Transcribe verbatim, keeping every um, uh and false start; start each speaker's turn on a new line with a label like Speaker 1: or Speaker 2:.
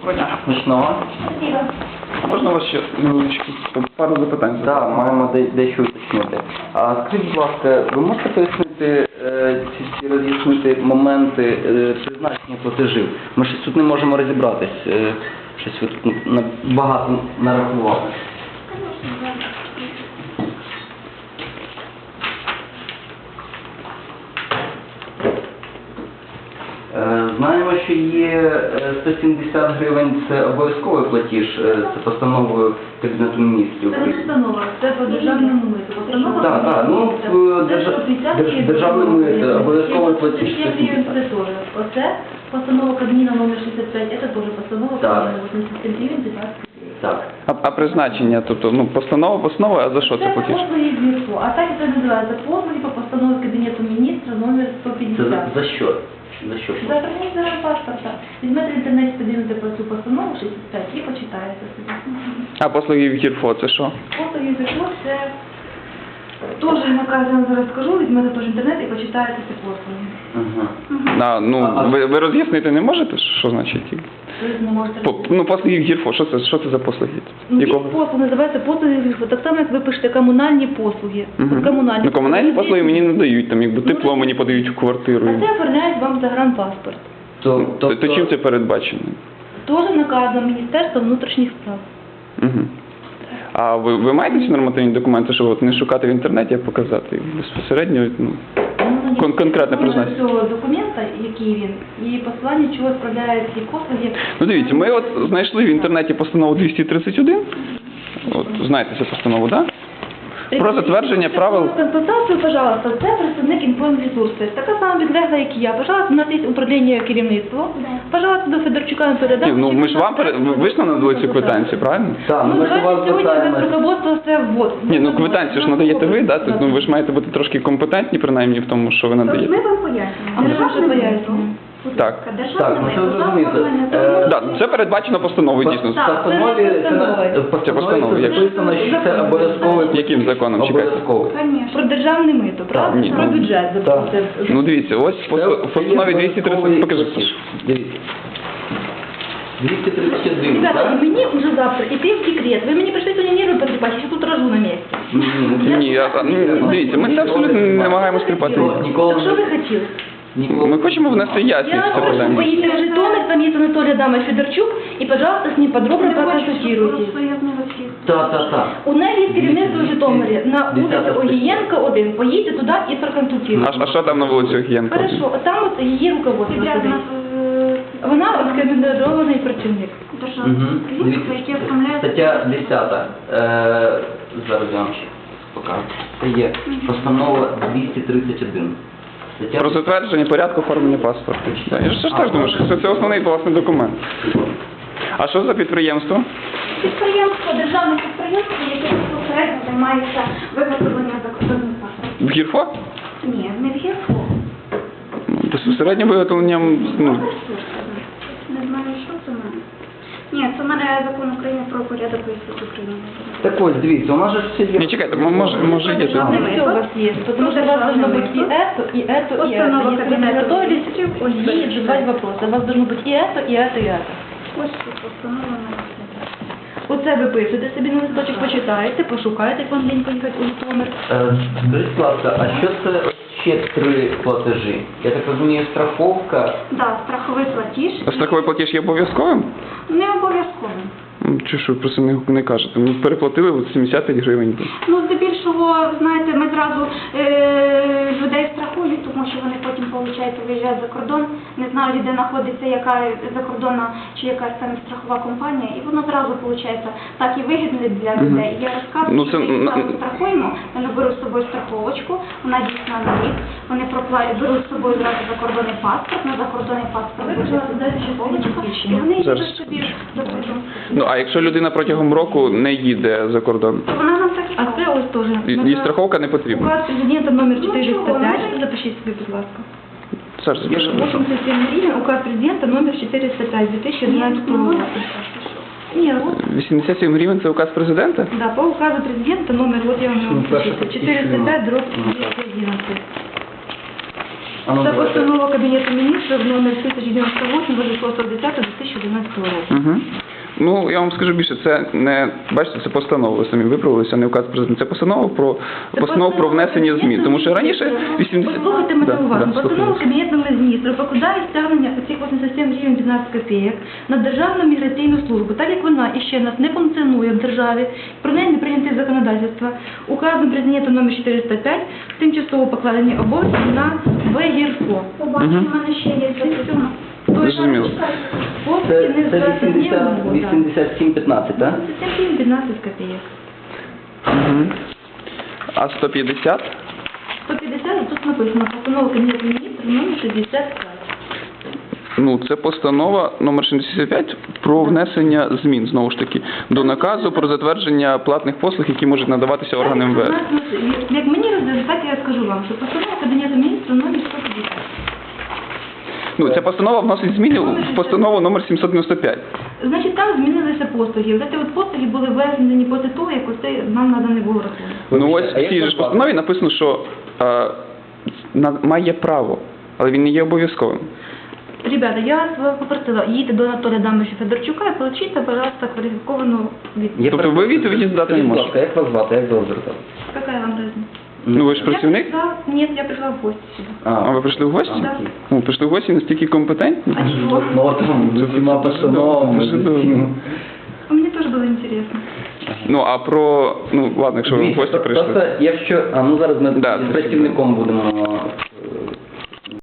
Speaker 1: Доброго дня. Смачного.
Speaker 2: Спасибо.
Speaker 1: Можна вас ще невеличкі пару запитань? Так, да, маємо де- дещо уточнити. А скажіть, будь ласка, ви можете пояснити е, чи роз'яснити моменти е, призначення платежів? Ми щось тут не можемо розібратись. Е, щось ви тут на- багато нарахували. Е, Знаємо, що є е, сто сімдесят гривень – це обов'язковий платіж, е, це постановою Кабінету міністрів.
Speaker 2: Це не постанова, це по державному миту. Постанова
Speaker 1: Так, так, ну, в держа- держ- державне мито, обов'язковий платіж сто сімдесят.
Speaker 2: Це теж. Оце постанова Кабміна номер шістдесят п'ять, це теж постанова
Speaker 1: Так.
Speaker 2: Кабміна вісімдесят сім гривень дев'ятнадцять.
Speaker 1: Так.
Speaker 3: А, а призначення, тобто, ну, постанова, постанова, а за що це
Speaker 2: Це
Speaker 3: платіж?
Speaker 2: послуги з ЮРФО, а так це називається послуги по постанові Кабінету міністра номер сто
Speaker 1: Це
Speaker 2: п'ятдесят.
Speaker 1: за, за що? За що?
Speaker 2: За організацію паспорта. Візьмете в інтернеті, подивіться про цю постанову шістдесят п'ять і почитаєте собі.
Speaker 3: А послуги в ГІРФО це що?
Speaker 2: Послуги з ЮРФО це теж наказ, я вам зараз скажу, візьмете теж інтернет і почитаєте ці послуги.
Speaker 1: Ага.
Speaker 3: А, ну,
Speaker 1: А-
Speaker 3: ви, ви роз'яснити не можете, що значить?
Speaker 2: Ви не можете
Speaker 3: По, ну, послуги в ГІРФО, що це, що це за послуги?
Speaker 2: Ну, є
Speaker 3: Якого?
Speaker 2: послуги, називаються послуги з ЮРФО. Так само, як ви пишете комунальні послуги.
Speaker 3: Мгм.
Speaker 2: От комунальні
Speaker 3: Ну, комунальні послуги мені не дають, там, якби
Speaker 2: Ну,
Speaker 3: тепло мені подають в квартиру.
Speaker 2: А це оформляють вам загранпаспорт.
Speaker 1: То,
Speaker 3: То,
Speaker 1: тобто,
Speaker 3: то чим це передбачено?
Speaker 2: Теж наказом Міністерства внутрішніх справ.
Speaker 3: Угу. А ви, ви маєте ці нормативні документи, щоб от не шукати в інтернеті, а показати безпосередньо, ну,
Speaker 2: Ну,
Speaker 3: Кон- конкретне
Speaker 2: номер
Speaker 3: призначення.
Speaker 2: цього документа, який він, і посилання, чого справляють ці послуги.
Speaker 3: Ну дивіться, ми от знайшли в інтернеті постанову двісті тридцять один. От знаєте цю постанову, так? Да? Про затвердження правил.
Speaker 2: Консультацію, пожалуйста, це представник інформресурсу. Така сама підлегла, як і я. Пожалуйста, у нас є управління керівництва. Пожалуйста, до Федорчука ми передамо.
Speaker 3: Ні, ну ми ж вам пере... ви ви ж нам надали цю квитанцію, правильно?
Speaker 1: Так,
Speaker 2: Ну,
Speaker 1: ну, ми ж у вас
Speaker 2: давайте сьогодні без
Speaker 1: звертаємось.
Speaker 2: руководства це ввод.
Speaker 3: Ні, ну квитанцію ж надаєте ви, да? Тобто, ну ви ж маєте бути трошки компетентні, принаймні, в тому, що ви
Speaker 4: Ми
Speaker 3: надаєте.
Speaker 4: вам пояснюємо.
Speaker 2: А ми вам ще
Speaker 4: Державне
Speaker 2: пояснюємо.
Speaker 4: мито.
Speaker 3: Так.
Speaker 1: Так,
Speaker 4: Державне
Speaker 1: ну,
Speaker 4: мито.
Speaker 1: це зрозуміло.
Speaker 4: Оформлення
Speaker 1: Е,
Speaker 4: договору.
Speaker 3: Так, це передбачено постановою, дійсно.
Speaker 1: В постанові
Speaker 2: це не
Speaker 1: це на-
Speaker 2: постанова.
Speaker 1: в
Speaker 3: Це постанова,
Speaker 1: постанові
Speaker 3: як?
Speaker 1: це записано, що це обов'язковий.
Speaker 3: Яким законом, чекайте?
Speaker 1: Обов'язковий.
Speaker 4: Конечно.
Speaker 2: Про державне мито, правда?
Speaker 3: ні,
Speaker 2: Про
Speaker 3: ну,
Speaker 2: бюджет.
Speaker 1: так.
Speaker 2: забудьте.
Speaker 3: Ну дивіться, ось в пост- в постанові двісті тридцять, покажи.
Speaker 1: Дивіться. двісті тридцять один,
Speaker 2: Ребята,
Speaker 1: так?
Speaker 2: и мне уже завтра идти в декрет. Вы мне пришли сегодня нервы потрепать, я тут рожу на месте.
Speaker 3: Ні, я- а, ну, дивіться, ми це абсолютно не намагаємось тріпати.
Speaker 1: Ніколи
Speaker 2: Так
Speaker 1: не-
Speaker 2: что вы хотели?
Speaker 1: Ніколи.
Speaker 3: Ми хочемо внести ясність в
Speaker 2: Я
Speaker 3: це
Speaker 2: прошу,
Speaker 3: питання.
Speaker 2: поедете в Житомир, там есть Анатолий Адамович Федорчук, и, пожалуйста, с ним подробно проконсультируйтесь.
Speaker 1: Так, так, так.
Speaker 2: У неї є керівництво в Житомирі на
Speaker 1: Десята
Speaker 2: вулиці Огієнка один. Поїдьте туди і
Speaker 3: А,
Speaker 2: проконсультуйтесь.
Speaker 3: а що там на вулиці Огієнка?
Speaker 2: Хорошо, от там от її руководство
Speaker 4: Підрядна
Speaker 2: сидить. Вона рекомендований працівник.
Speaker 4: державна
Speaker 1: Мгм.
Speaker 4: підприємство, яке оформляє
Speaker 1: Стаття десята. Е, зараз я вам ще покажу. Це є постанова двісті тридцять один. Стаття
Speaker 3: Про затвердження порядку оформлення паспорту. Так, я ж ж теж думаю, що це, це основний власний документ. А що за підприємство?
Speaker 4: підприємство, державне підприємство, яке безпосередньо займається виготовленням закордонних паспортів.
Speaker 3: В ГІРФО?
Speaker 4: Ні, не в ГІРФО.
Speaker 3: Ну, безпосередньо виготовленням, ну,
Speaker 4: Не знаю, що це в мене. Ні, це в мене закон України про порядок військової України.
Speaker 1: Так ось, дивіться, у нас же ж все є.
Speaker 3: ні, чекайте, м- може, може є тут.
Speaker 2: Не все у вас есть, потому что у вас должно быть и это, и это, и это.
Speaker 4: Постанова
Speaker 2: Если вы
Speaker 4: Кабинета
Speaker 2: готовились
Speaker 4: Министров, ось
Speaker 2: ей
Speaker 4: це.
Speaker 2: задавать вопросы, у вас должно быть и это, и это, и это.
Speaker 4: Ось тут постанова на
Speaker 2: Оце ви пишете собі на листочок, почитаєте, пошукаєте, як вам лінько їхати у Житомир.
Speaker 1: Е, Скажіть, будь ласка, а що це ще три платежі? Я так розумію, страховка.
Speaker 4: Да, страховий платіж.
Speaker 3: А страховий платіж є обов'язковим?
Speaker 4: Не обов'язковим.
Speaker 3: М, Чи що, ви просто не, не кажете? Ми переплатили от сімдесят п'ять гривень.
Speaker 4: Ну, здебільшого, знаєте, ми зразу е, людей страхують, тому що вони потім, виходить, виїжджають за кордон, не знають, де знаходиться яка закордонна чи якась там страхова компанія, і воно зразу, виходить, так і вигідно для людей. Я розказую,
Speaker 3: Ну,
Speaker 4: що
Speaker 3: це
Speaker 4: ми їх
Speaker 3: на-
Speaker 4: зразу страхуємо, вони беруть з собою страховочку, вона дійсна на рік, вони пропла- беруть з собою зразу закордонний паспорт, на закордонний паспорт
Speaker 2: Ви,
Speaker 4: буде
Speaker 2: пожалуйста, дайте ще
Speaker 4: страховочка,
Speaker 2: посвідчення.
Speaker 4: і вони
Speaker 3: Зараз,
Speaker 4: їдуть собі за кордон.
Speaker 3: Ну, а якщо людина протягом року не їде за кордон,
Speaker 4: То вона нам так і
Speaker 2: А
Speaker 4: робить.
Speaker 2: це ось теж.
Speaker 3: і, і страховка не потрібна.
Speaker 2: Указ президента номер
Speaker 4: Ну,
Speaker 2: четыреста
Speaker 4: чого,
Speaker 2: пять,
Speaker 4: ну,
Speaker 2: запишіть собі, будь ласка.
Speaker 3: Саш, запиши.
Speaker 2: восемьдесят семь гривен, указ президента номер четыреста пять две тысячи двенадцатого года. Нет, вот,
Speaker 3: вісімдесят сім гривень – це указ президента?
Speaker 2: да, по указу президента номер, вот я вам
Speaker 1: Ну,
Speaker 2: его
Speaker 1: Саша,
Speaker 2: записываю, четыреста пять дробь
Speaker 1: Ну,
Speaker 2: двести одиннадцать.
Speaker 1: А ну,
Speaker 2: Це
Speaker 1: давайте.
Speaker 2: постанова Кабінету міністрів номер тисяча дев'яносто вісім від шостого десятого дві тисячі одинадцятого року.
Speaker 3: Угу. Ну, я вам скажу більше, це не, бачите, це постанова, ви самі виправилися, не указ президента, це постанова про,
Speaker 2: Це
Speaker 3: постанова про внесення змін, тому що раніше вісімдесят...
Speaker 2: Послухайте мене
Speaker 3: Да,
Speaker 2: уважно.
Speaker 3: да,
Speaker 2: Постанова
Speaker 3: слухаю.
Speaker 2: Кабінету міністрів покладає стягнення цих вісімдесят сім гривень дванадцять копійок на Державну міграційну службу, так як вона іще нас не функціонує в державі, про неї не прийняте законодавство. Указом Президента номер чотириста п'ять тимчасово покладені обов'язки на ВГІРФО.
Speaker 4: Побачимо,
Speaker 3: Мгм.
Speaker 4: в мене ще є запитання.
Speaker 3: Зрозуміло.
Speaker 2: Хлопці
Speaker 1: Це,
Speaker 2: не
Speaker 1: це
Speaker 2: здатні
Speaker 1: вісімдесят, вісімдесят сім п'ятнадцять, так?
Speaker 2: вісімдесят сім дванадцять копійок.
Speaker 3: Угу. А сто п'ятдесят?
Speaker 2: сто п'ятдесят, тут написано постанова Кабінету міністрів номер шістдесят п'ять.
Speaker 3: Ну, це постанова номер шістдесят п'ять про внесення змін, знову ж таки, до наказу про затвердження платних послуг, які можуть надаватися органам МВС.
Speaker 2: Як мені роздали, так я скажу вам, що постанова Кабінету міністрів номер сто п'ятдесят.
Speaker 3: Ну, ця постанова вносить зміни в постанову номер сімсот дев'яносто п'ять.
Speaker 2: Значить, там змінилися послуги. Ці от послуги були введені після того, як оце нам наданий був рахунок.
Speaker 3: Ну, ось
Speaker 1: А
Speaker 3: в
Speaker 1: як
Speaker 3: цій
Speaker 1: вас
Speaker 3: же ж
Speaker 1: звати?
Speaker 3: постанові написано, що е, на- має право, але він не є обов'язковим.
Speaker 2: Ребята, я вас попросила, їдьте до Анатолія Адамовича Федорчука і получите, пожалуйста, кваліфіковану відповідь.
Speaker 1: Є
Speaker 3: Тобто ви відповіді дати не
Speaker 1: Скажіть, будь
Speaker 3: можете?
Speaker 1: ласка, як вас звати, як довго звертатися?
Speaker 2: Какая вам разница?
Speaker 3: Ну, ви ж
Speaker 2: Я
Speaker 3: працівник?
Speaker 2: пришла, нет, я пришла в гости сюда.
Speaker 3: А ви прийшли в гості?
Speaker 2: Да.
Speaker 3: Ну, прийшли в гості настільки компетентні?
Speaker 2: А чего?
Speaker 1: Ну, от там, з усіма постановами,
Speaker 3: Дуже
Speaker 1: з
Speaker 3: добре.
Speaker 1: усім.
Speaker 2: А мне тоже было интересно.
Speaker 3: Ну, а про... Ну, ладно, якщо ви в
Speaker 1: Дивіться,
Speaker 3: гості
Speaker 1: про-
Speaker 3: прийшли.
Speaker 1: Просто, якщо... А, ну зараз ми
Speaker 3: Да,
Speaker 1: з працівником будемо